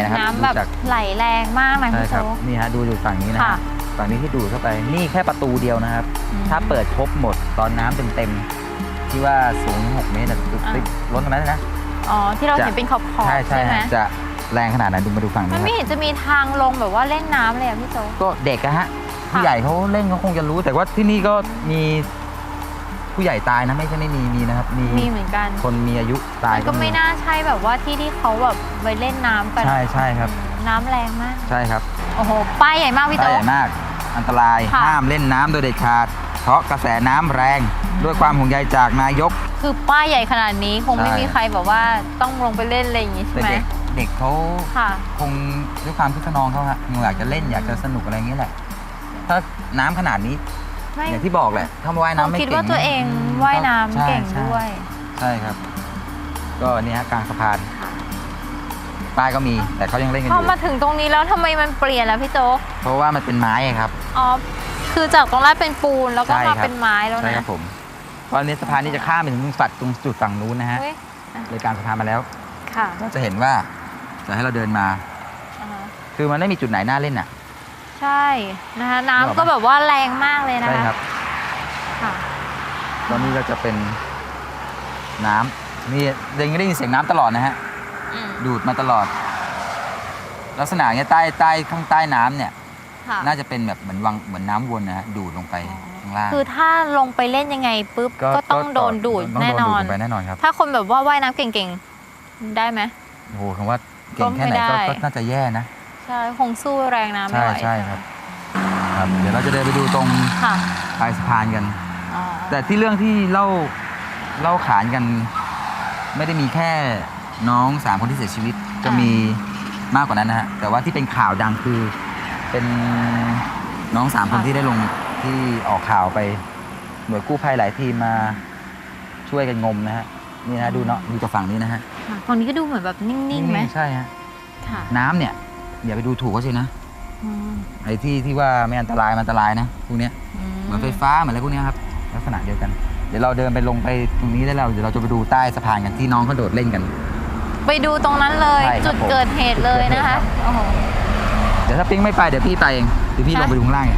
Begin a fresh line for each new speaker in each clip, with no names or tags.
นะครับ
น้ำแบบไหลแรงมากนะพี่โจ๊ก
นี่ฮะดูอยู่ฝั่งนี้นะฝั่งนี้ที่ดูดเข้าไปนี่แค่ประตูเดียวนะครับถ้าเปิดครบหมดตอนน้ำเต็มๆที่ว่าสูง6 เมตรติดล้นตรงนั้นนะ
อ๋อที่เราเห็นเป็นขอบใช่ไหม
จะแรงขนาดไหนดูมาดูฝั่งนี้
มันไม่เห็นจะมีทางลงแบบว่าเล่นน้ำเลยอะพี่โจ๊ก
ก็เด็กอะฮะผู้ใหญ่เขาเล่นเขาคงจะรู้แต่ว่าที่นี่ก็มีผู้ใหญ่ตายนะไม่ใช่ไม่มีนะครับ
มีเหมือนกัน
คนมีอายุตาย
ก็ไม่น่าใช่แบบว่าที่เขาแบบไปเล่นน้ำกัน
ใช่ครับ
น้ำแรงมาก
ใช่ครับ
โอ้โหป้ายใหญ่มากพี่โจ๊ก
ป้ายใหญ่มากอันตรายห้ามเล่นน้ำโดยเด็ดขาดเพราะกระแสน้ำแรงด้วยความห่วงใยจากนายก
คือป้ายใหญ่ขนาดนี้คงไม่มีใครแบบว่าต้องลงไปเล่นอะไรอย่างงี้ใช่ไหม
เด็กเขาคงด้วยความคึกขนองเขาอยากจะเล่นอยากจะสนุกอะไรอย่างนี้แหละถ้าน้ำขนาดนี้อย่างที่บอกแหละถ้าว่ายน้ำไม่เก่ง
คิดว่าตัวเองว่ายน้ำเก่งด้วย
ใช่ครับก็นี่ฮะกลางสะพานป้ายก็มีแต่เขายังเล่นกันอยู่
พอมาถึงตรงนี้แล้วทำไมมันเปลี่ยนแล้วพี่โจ๊ก
เพราะว่ามันเป็นไม้ครับ
อ๋อคือจากตรงแรกเป็นปูนแล้วก็มาเป็นไม้แล้วนะ
ใช่ครับผมตอนนี้สะพานนี้จะข้ามไปถึงตรงจุดฝั่งนู้นนะฮะเลยการสะพานมาแล้วก็จะเห็นว่าจะให้เราเดินมาคือมันไม่มีจุดไหนน่าเล่นอ่ะ
ใช่นะคะน้ำก็แบบว่าแรงมากเลยนะคะ
ใช่ครับตอนนี้ก็จะเป็นน้ำนี่ยังได้ยินเสียงน้ำตลอดนะฮะดูดมาตลอดลักษณะเนี้ยใต้ข้างใต้น้ำเนี่ยน่าจะเป็นแบบเหมือนน้ำวนนะฮะดูดลงไปข้างล่าง
คือถ้าลงไปเล่นยังไงปุ๊บก็ต้องโดนดูดแน่นอน
ครับ
ถ้าคนแบบว่าว่ายน้ำเก่งๆได้ไหม
โอ้โหคำว่าเก่งแค่ไหนก็น่าจะแย่นะ
ใช่คงสู้แรงน้ำไม่ไหว
ใช่ครับเดี๋ยวเราจะเดินไปดูตรงปลายสะพานกันแต่ที่เรื่องที่เล่าขานกันไม่ได้มีแค่น้อง3 คนที่เสียชีวิตจะมีมากกว่านั้นนะฮะแต่ว่าที่เป็นข่าวดังคือเป็นน้อง3 คนที่ได้ลงที่ออกข่าวไปหน่วยกู้ภัยหลายทีมมาช่วยกันงมนะฮะนี่นะดูเนาะดูจากฝั่งนี้นะฮะ
ฝั่งนี้ก็ดูเหมือนแบบนิ่งๆไหม
ใช่ฮะน้ำเนี่ยอย่าไปดูถูกเขาสินะไอ้ที่ว่าไม่อันตรายมันอันตรายนะพวกนี้เหมือนไฟฟ้าเหมือนอะไรพวกนี้ครับลักษณะเดียวกันเดี๋ยวเราเดินไปลงไปตรงนี้ได้แล้วเดี๋ยวเราจะไปดูใต้สะพานกันที่น้องเขาโดดเล่นกัน
ไปดูตรงนั้นเลยจุดเกิดเหตุเลยนะคะโอ้โห
เดี๋ยวถ้าปิ๊งไม่ไปเดี๋ยวพี่ไปเองเดี๋ยวพี่ลงไปดูข้างล่าง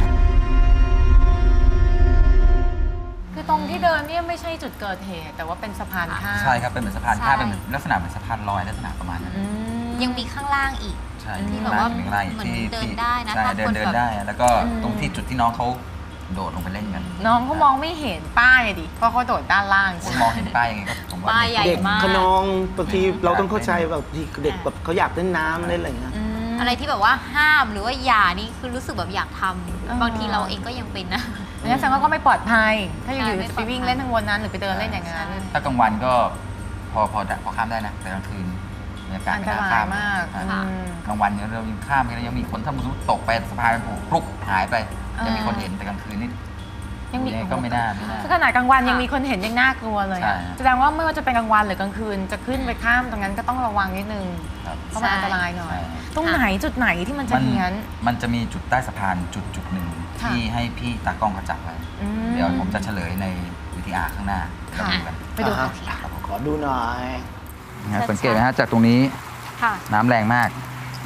คือตรงที่เดินเนี่ยไม่ใช่จุดเกิดเหตุแต่ว่าเป็นสะพานข้าม
ใช่ครับเป็นเหมือนสะพานข้ามเป็นลักษณะเหมือนสะพานลอยลักษณะประมาณนั้น
ยังมีข้างล่างอีกที่แบบว่าเหมือนเดินได้นะ
เดินได้แล้วก็ตรงที่จุดที่น้องเขาโดดลงไปเล่นกัน
น้องเขามองไม่เห็นป้ายดิเพราะเขาโดดด้านล่าง
คุณมองเห็นป้ายยังไงก็ผมว่า
เด็
กขนองบางทีเราต้องเข้าใจแบบเด็กแบบเขาอยากเล่นน้ำเล่นอะไรเงี้ย
อะไรที่แบบว่าห้ามหรือว่าอย่านี่คือรู้สึกแบบอยากทำบางทีเราเองก็ยังเป็นนะ
งั้นแสดงว่าก็ไม่ปลอดภัยถ้าอยู่ๆจะไปวิ่งเล่นทั้งวันนั้นหรือไปเดินเล่นอย่างนั้น
ถ้ากลางวันก็พอข้ามได้นะแต่กลางคืนบรรยากาศไม่น่าข้าม
มาก
กลางวันเนี่ยเรายังข้ามกันยังมีคนถ้าสมมติตกไปสะพานผูกพลุกหายไปยังมีคนเห็นแต่กลางคืนนี่ยังมีก็ไม่น่า
ขนาดกลางวันยังมีคนเห็นยังน่ากลัวเลยแสดงว่าไม่ว่าจะเป็นกลางวันหรือกลางคืนจะขึ้นไปข้ามตรงนั้นก็ต้องระวังนิดนึงเพราะมันอันตรายหน่อยตรงไหนจุดไหนที่มันจะเฮี้ยน
มันจะมีจุดใต้สะพานจุดหนึ่งที่ให้พี่ตากล้องเขาจับไว้เดี๋ยวผมจะเฉลยในวิทยาข้างหน้า
ไปดูกัน
ขอดูหน่อย
สังเกตไหมฮะจากตรงนี้น้ำแรงมาก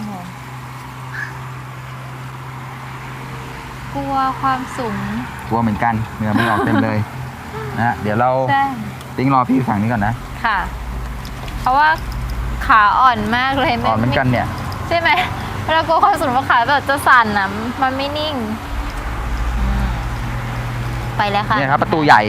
กลัวความสูง
กลัวเหมือนกันเหงื่อไม่ออกเต็มเลยนะเดี๋ยวเราติ้งรอพี่ฝั่งนี้ก่อนนะ
ค่ะเพราะว่าขาอ่อนมากเลย
อ่อนเหมือนกันเนี่ย
ใช่ไหมเวลากลัวความสูงขาแบบจะสั่นนะมันไม่นิ่งไปแล้วค่ะ
นี่ครับประตูใหญ่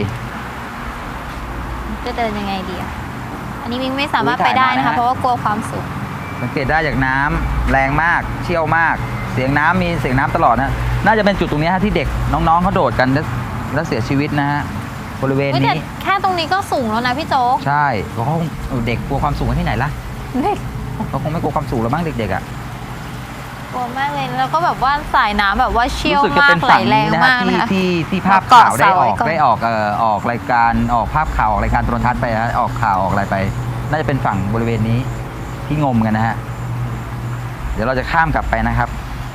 จะเดินยังไงดีอันนี้มิ้งไม่สามารถไปได้นะคะเพราะว่ากลัวความสูง
สังเกตได้จากน้ำแรงมากเชี่ยวมากเสียงน้ำมีเสียงน้ำตลอดนะน่าจะเป็นจุดตรงนี้ที่เด็กน้องๆเขาโดดกันแล้วเสียชีวิตนะฮะบริเวณนี้
แค่ตรงนี้ก็สูงแล้วนะพี่โจ๊ก
ใช่เขาเด็กกลัวความสูงที่ไหนล่ะเด็กเขาคงไม่กลัวความสูงแล้วบ้างเด็กๆ
กลัวมากเลยแล้วก็แบบว่าสายน้ำแบบว่าเชี่ยวมากไหลแรงมากนะคะ
ที่ภาพข่าวได้ออกรายการออกภาพข่าวออกรายการโทรทัศน์ไปนะออกข่าวออกอะไรไปน่าจะเป็นฝั่งบริเวณนี้ที่งมกันนะฮะเดี๋ยวเราจะข้ามกลับไปนะครับ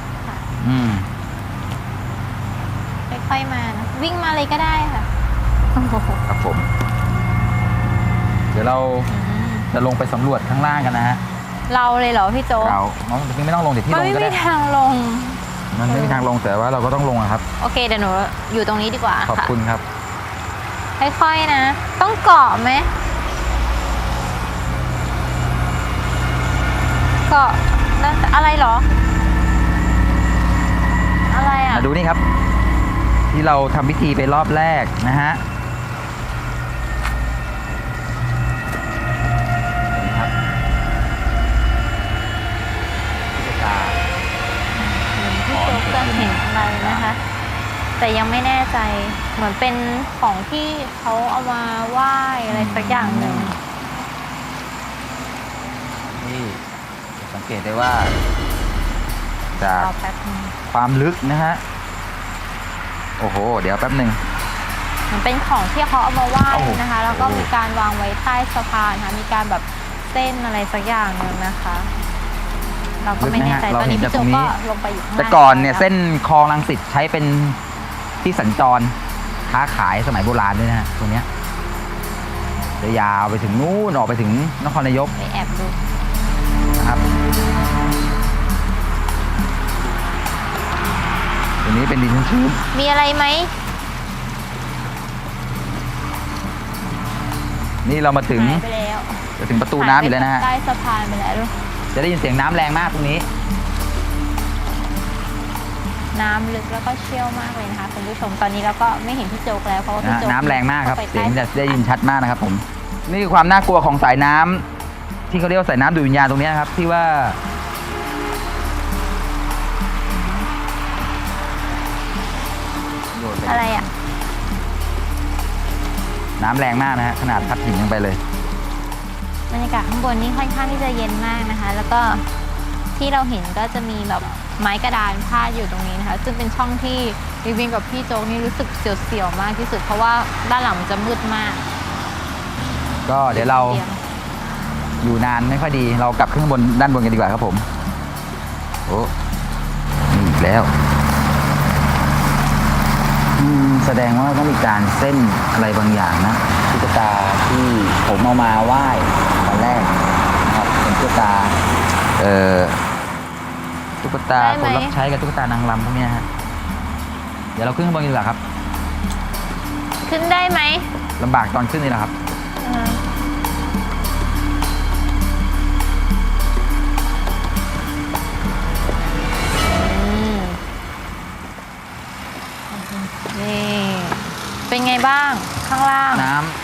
ค่อยๆมานะวิ่งมาเลยก็ได้ค่ะ
ครับผมเดี๋ยวเราจะลงไปสำรวจข้างล่างกันนะฮะ
เราเลยเหรอพี่โจ๊ก
เราน้องจริงๆไม่ต้องลงเดี๋ยวพี่
มัน
ลง
ไม่
ก็
มี
ได้
ทางลง
มันไม่มีทางลงแต่ว่าเราก็ต้องลงอะครับ
โอเคเดี๋ยวหนูอยู่ตรงนี้ดีกว่า
ขอบ
ค่ะ
คุณครับ
ค่อยๆนะ ต้องเกาะไหมเกาะนั่นอะไรเหรอ อะไรอ่ะ
มาดูนี่ครับ ที่เราทำพิธีไปรอบแรกนะฮะนี่ครับตุ๊กตา
พี่โจ๊กจะเห็นอะไรนะคะ แต่ยังไม่แน่ใจเหมือนเป็นของที่เขาเอามาไหว้อะไรสักอย่างหนึ่ง
นี่สังเกตได้ว่า จาก
รอแป๊บนึง
ความลึกนะฮะ โอ้โห เดี๋ยวแป๊บหนึ่ง
เหมือนเป็นของที่เขาเอามาไหว้
โอ้โห
นะคะ แล้วก็มีการวางไว้ใต้สะพานค่ะมีการแบบเส้นอะไรสักอย่างหนึ่งนะคะ เราก็ไม่แน่ใจตอนนี้พี่โจ๊กก็ลงไปอยู่ข้างล่าง
แต่ก่อนเนี่ย
แล้ว
เส้นคลองรังสิตใช้เป็นที่สัญจรค้าขายสมัยโบราณด้วยนะฮะตรงเนี้ยจะยาวไปถึงนู่นออกไปถึงนครนายก
ไปแอบดู
นะครับตรงนี้เป็นดินชื้น
มีอะไรไหม
ๆนี่เรามาถึง
หายไปแล้ว
จะถึงประตูน้ำอยู่แล้วนะฮะ
ใต้สะพานไปแล้ว
จะได้ยินเสียงน้ำแรงมากตรงนี้
น้ำลึกแล้วก็เชี่ยวมากเลยนะคะคุณผู้ชมตอนนี้เราก็ไม่เห็นพี่โจ๊กแล้วเพราะว่าพี่
นะ
โจ๊ก
น้ำแรงมากครับ
ข้ไป
เสียง
ใต้
จะได้ยินชัดมากนะครับผม นี่คือความน่ากลัวของสายน้ำที่เขาเรียกว่าสายน้ำดูดวิญญาณตรงนี้นะครับ ที่ว่าโดดไป
อะไรอ่ะ
น้ำแรงมากนะฮะขนาดพัดหินลงไปเลย
บรรยากาศข้างบนนี่ค่อนข้างที่จะเย็นมากนะคะ แล้วก็ที่เราเห็นก็จะมีแบบไม้กระดานพาดอยู่ตรงนี้นะคะ ซึ่งเป็นช่องที่วิวินกับพี่โจ๊กนี่รู้สึกเสียวๆมากที่สุด เพราะว่าด้านหลังมันจะมืดมาก
ก็เดี๋ยวเราอยู่นานไม่ค่อยดี เรากลับขึ้นข้างบนด้านบนกันดีกว่าครับผม โอ้นี่อีกแล้วแสดงว่าต้องมีการเส้นอะไรบางอย่างนะตุ๊กตาที่ผมเอามาไหว้ตอนแรกนะครับเป็นตุ๊กตาตุ๊กตา
ได้ไห
ค
ม
นรับใช้กับตุ๊กตานางรำพวกเนี้ยฮะเดี๋ยวเราขึ้นข้างบนกันดีกว่าครับ
ขึ้นได้ไหม
ลำบากตอนขึ้นนี่แหละครับ
นี่เป็นไงบ้างข้างล่าง
น้ำ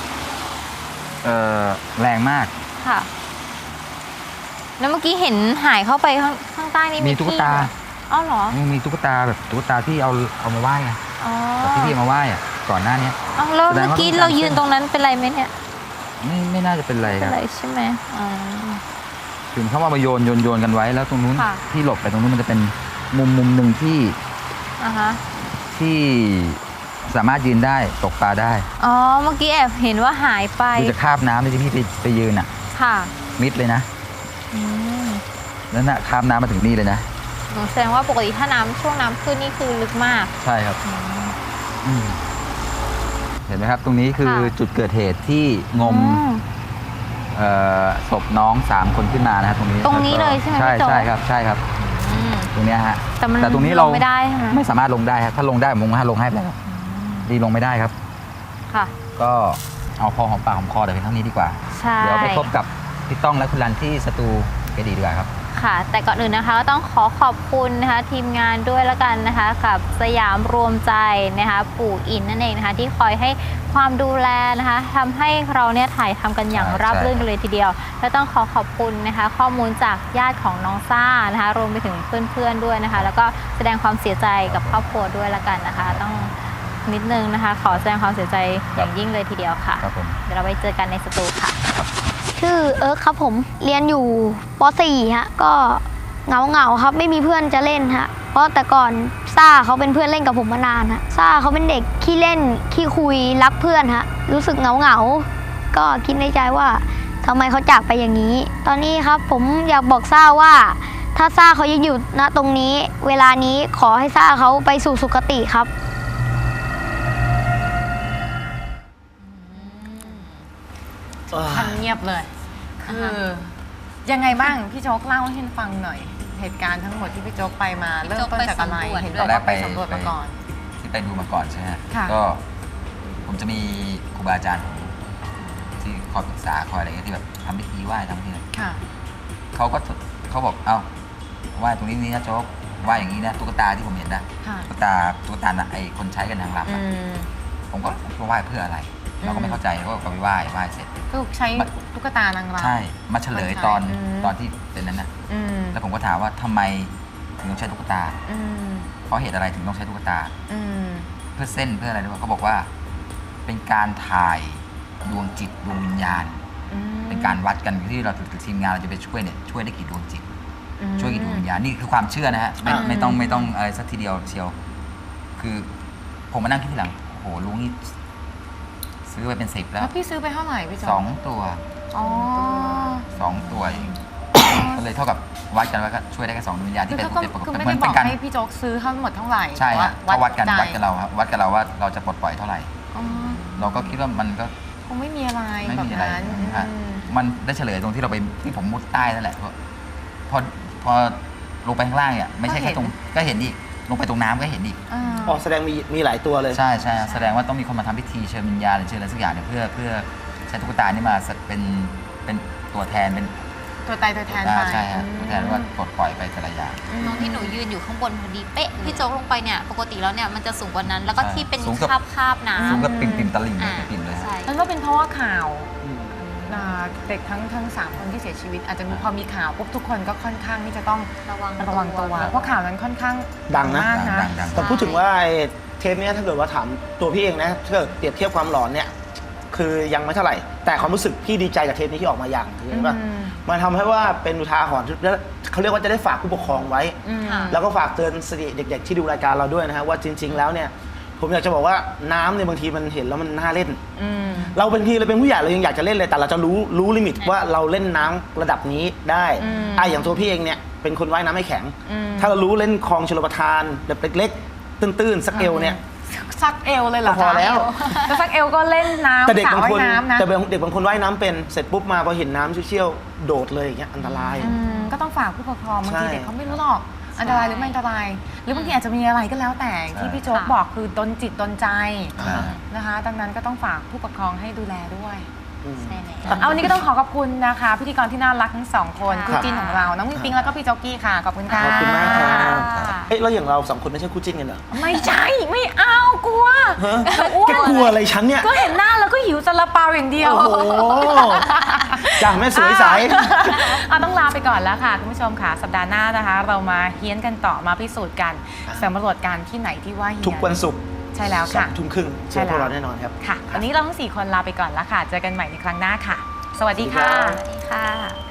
แรงมาก
ค่ะ แล้วเมื่อกี้เห็นหายเข้าไปข้างใต้นี่
มีตุ๊กตา
ที่เหรออ้าวเหรอ
มีตุ๊กตาแบบตุ๊กตาที่เอามาไหว้ไง
อ๋อ
แบบที่พี่เอามาไหว้อะก่อนหน้านี้
อ้าวแล้ว
แสดง
เมื่อ
ว่า
กี้
ต้องการ
เรายืนตรงนั้นเป็นไรไหมเนี่ย
ไม่น่าจะเป็นไร
เป็
คน รับ
ไรใช่ไหมอ๋อ
ถึงเขาเอามาโยนกันไว้แล้วตรงนู้น
ค่ะ
ที่หลบไปตรงนู้นมันจะเป็นมุมหนึ่งที่
อ่าฮะ
ที่สามารถยืนได้ตกปลาได้
อ๋อเมื่อกี้แอบเห็นว่าหายไป
ดูจะคาบน้ำที่พี่ไปยืนอ่ะ
ค่ะ
มิดเลยนะ
อืม
แล้วน่ะคาบน้ำมาถึงนี่เลยนะ
แสดงว่าปกติถ้าช่วงน้ำขึ้นนี่คือลึกมาก
ใช่ครับอืมเห็นไหมครับ ตรงนี้คือ
ค่ะ
จุดเกิดเหตุที่งม ศพน้อง3 คนขึ้นมานะครับตรงนี้
ตรงนี้เลยใช่ไหม
ใช่
พี่โจ๊ก
ใช่ครับใช่ครับ
อืม
ตรงเนี้ยฮะ
แต่มัน
ตรงนี้เรา
ลงไม่ได้ใช่ไหม
ไม่สามารถลงได้ครับถ้าลงได้ผมคงลงให้ไปแล้วดีลงไม่ได้ครับ
ค่ะ
ก็เอาพอหอมปากหอมคอแต่เพียงเท่านี้ดีกว่า
ใช่
เดี๋ยวไปพบกับพี่ต้องและคุณรันที่สตูก็ดีกว่าครับ
ค่ะ แต่ก่อนอื่นนะคะก็ต้องขอบคุณนะคะทีมงานด้วยละกันนะคะกับสยามรวมใจนะคะปู่อินนั่นเองนะคะที่คอยให้ความดูแลนะคะทำให้เราเนี่ยถ่ายทำกันอย่าง
ใช่
ราบรื่นกันเลยทีเดียว และต้องขอบคุณนะคะข้อมูลจากญาติของน้องซ่านะคะรวมไปถึงเพื่อนๆด้วยนะคะแล้วก็แสดงความเสียใจกับครอบครัวด้วยละกันนะคะ ต้องนิดนึงนะคะ ขอแสดงความเสียใจอย่างยิ่งเลยทีเดียวค่ะ
ครับผม
เดี๋ยวเราไปเจอกันในสตูค่ะ
ชื่อเอิร์กครับผมเรียนอยู่ป .4 ฮะก็เหงาครับไม่มีเพื่อนจะเล่นฮะเพราะแต่ก่อนซ่าเขาเป็นเพื่อนเล่นกับผมมานานฮะซ่าเขาเป็นเด็กขี้เล่นขี้คุยรักเพื่อนฮะรู้สึกเหงาก็คิดในใจว่าทำไมเขาจากไปอย่างนี้ ตอนนี้ครับผมอยากบอกซ่าว่า ถ้าซ่าเขายังอยู่ณตรงนี้ เวลานี้ขอให้ซ่าเขาไปสู่สุคติครับ
ทำเงียบเลย คือยังไงบ้างพี่โจ๊กเล่าให้ฟังหน่อย เหตุการณ์ทั้งหมดที่พี่โจ๊กไปมาเริ่มต้นจากอะไรเห็นบอกว่าไปสำรวจมาก่อน
ที่ไปดูมาก่อนใช่ไหม
ค่ะ
ก็ผมจะมีครูบาอาจารย์ผมที่คอยปรึกษาคอยอะไรเงี้ยที่แบบทำพิธีไหว้ทำพิธีอะไร
ค่ะ
เขาบอกเอ้าไหว้ตรงนี้นี่นะโจ๊กไหว้อย่างนี้นะตุ๊กตาที่ผมเห็นนะ
ค่ะ
ตุ๊กตาน่ะไอคนใช้กันนางรำ
อื
อะ
ม
ผมก็ไหว้เพื่ออะไร เราก็ไม่เข้าใจก็ไปไหว้เสร็จ
ก็ใช้ตุ๊กตานางรำ
ใช่มาเฉลยตอน
อืม
ตอนที่เป็นนั้นนะ
อืม
แล้วผมก็ถามว่าทำไมถึงต้องใช้ตุ๊กตา
อืม
เพราะเหตุอะไรถึงต้องใช้ตุ๊กตา
อืม
เพื่อเส้นเพื่ออะไรด้วยเขาบอกว่า เป็นการถ่ายดวงจิตดวงวิญญาณ
อืม
เป็นการวัดกันที่เราทีมงานเราจะไปช่วยเนี่ยช่วยได้กี่ดวงจิต
อืม
ช่วยกี่ดวงวิญญาณนี่คือความเชื่อนะฮะไม่ต้องอะไรสักทีเดียวเชียว คือผมมานั่งคิดทีหลังโอ้โหลุงนี่ซื้อไปเป็น10 แล้
แล้ว วพี่ซื้อไปเท่าไหร่พี่โจ๊ก
2 ตัว
อ๋อ
2 ตัวเองก็เลยเท่ากับวัดกันว่าก็ช่วยได้แค่2ดวงวิญญาณ
คื
ที่
อ
เป็น
เขา
ปก
คือ
ติ
ไม่
เหมื
ได้
อน
บ
เป็
อก
นการ
ให้พี่โจ๊กซื้อทั้งหมดเท่าไหร่
ใช่ฮะ
แต่
เขาวัดกัน
ใจ
วัดกับเราครับวัดกับเราว่าเราจะปลดปล่อยเท่าไหร่
อ๋อ
เราก็คิดว่ามันก็
คงไม่มีอะไร
ไม่
แบบ
มีอะไร
นั้น
ฮะ
อืม
มันได้เฉลยตรงที่เราไปที่ผมมุดใต้นั่นแหละพอลงไปข้างล่างเนี่ยไม่ใช่แค่ตรงก็เห็นอีกลงไปตรงน้ำก็เห็นอีก
อ่า
อ๋อแสดงมีหลายตัวเลย
ใช่ใช่แสดงว่าต้องมีคนมาทำพิธีเชิญวิญญาณหรือเชิญอะไรสักอย่างเนี่ยเพื่อใช้ตุ๊กตานี่มาเป็นตัวแทนเป็น
ตัวตายตัวแทนไป
ใช่ฮะตัวแทนว่าปลดปล่อยไปแต่ละอย่าง
ตรงที่หนูยืนอยู่ข้างบนพอดีเป๊ะพี่โจ๊กลงไปเนี่ยปกติแล้วเนี่ยมันจะสูงกว่านั้น แล้วก็
ใช่
ที่เป็น
สูงกับ
คาบน้ำ
สูงกับปิ่มตะลิ่งเลย
อ่า
ปิ่มเลยฮะ
ใช่
นั่นก็เป็นเพราะว่าข่าวเด็กทั้ง3 คนที่เสียชีวิต อาจจะมีพอมีข่าวปุ๊บทุกคนก็ค่อนข้างที่จะต้อง
ระวัง
ระวังตัวเพราะข่าวนั้นค่อนข้าง
ดังนะ
มากนะ
ดัง
แต่พูดถึงว่าไอ้เทปเนี้ยถ้าเกิดว่าถามตัวพี่เองนะถ้าเกิดเปรียบเทียบความหลอนเนี่ยคือยังไม่เท่าไหร่ แต่ความรู้สึกพี่ดีใจกับเทปนี้ที่ออกมาอย่างเห็นป่ะ
อืม
มันทำให้ว่าเป็นอุทาหรณ์แล้วเขาเรียกว่าจะได้ฝากผู้ปกครองไว้
อืม
ค่ะ
แล้วก็ฝากเตือนสติเด็ก ๆ ที่ดูรายการเราด้วยนะฮะว่าจริง ๆ แล้วเนี่ยผมอยากจะบอกว่าน้ำเนี่ยบางทีมันเห็นแล้วมันน่าเล่น
อืม
เราเป็นพี่เราเป็นผู้ใหญ่เรายังอยากจะเล่นเลยแต่เราจะรู้ลิมิตว่าเราเล่นน้ำระดับนี้ได้
อืม
อย่างตัวพี่เองเนี่ยเป็นคนว่ายน้ำไม่แข็ง
อืม
ถ้าเรารู้เล่นคลองชลประทานแบบเล็กๆตื้นๆสักเอวเนี่ย
ซักเอวเลยเหรอ
ก็พอแล้ว
แต่ซักเอวก็เล่นน้ำ
แต่เด็ก
สระ
บาง
ว่า
คน
ยน้ำนะ
แต่เด็กบางคนว่ายน้ำเป็นเสร็จปุ๊บมาพอเห็นน้ำเชี่ยวๆโดดเลยอย่างเงี้ยอันตราย
อืมก็ต้องฝากผู้ปกครองบางที
ใช่
เด็กเขาไม่รู้หรอกอันตรายหรือไม่อันตราย หรือบางทีอาจจะมีอะไรก็แล้วแต่ที่พี่โจ๊กบอกคือดนจิตดนใจ
อ่า
นะคะ ดังนั้นก็ต้องฝากผู้ปกครองให้ดูแลด้วย
อืม
ใช่แล้ว
เอาวันนี้ก็ต้องขอบคุณนะคะ พิธีกรที่น่ารักทั้งสองคน
ค่ะ
คู่จิ้นของเราน้องปิงแล้วก็พี่โจ๊กกี้ค่ะขอบคุณค่ะ
ขอบคุณมากครับ
ค่ะ
เอ้ยแล้วอย่างเราสองคนไม่ใช่คู่จิ้นกันเหรอ
ไม่ใช่ไม่เอากลัว
ฮะ
อ้ว
แก
น
กลัวอะไรฉันเนี่ย
ก็เห็นหน้าแล้วก็หิวซาลาเปาอย่างเดียว
โอ้โหจ้าแม่สวยใส
เอาต้องลาไปก่อนแล้วค่ะ คุณผู้ชมค่ะ สัปดาห์หน้านะคะ เรามาเฮี้ยนกันต่อมาพิสูจน์กันสำรวจการที่ไหนที่ว่าเฮี้ยน
ทุกวันศุกร์
ใช่แล้ว
สอ
ค่ะ
งทุ่มครึ่งเจอพวกเราแน่นอนครับ
ค่ะ วันนี้เราทั้ง 4 คนลาไปก่อนแล้วค่ะ เจอกันใหม่ในครั้งหน้าค่ะ สวัสดีค่ะ
สวัสดีค่ะ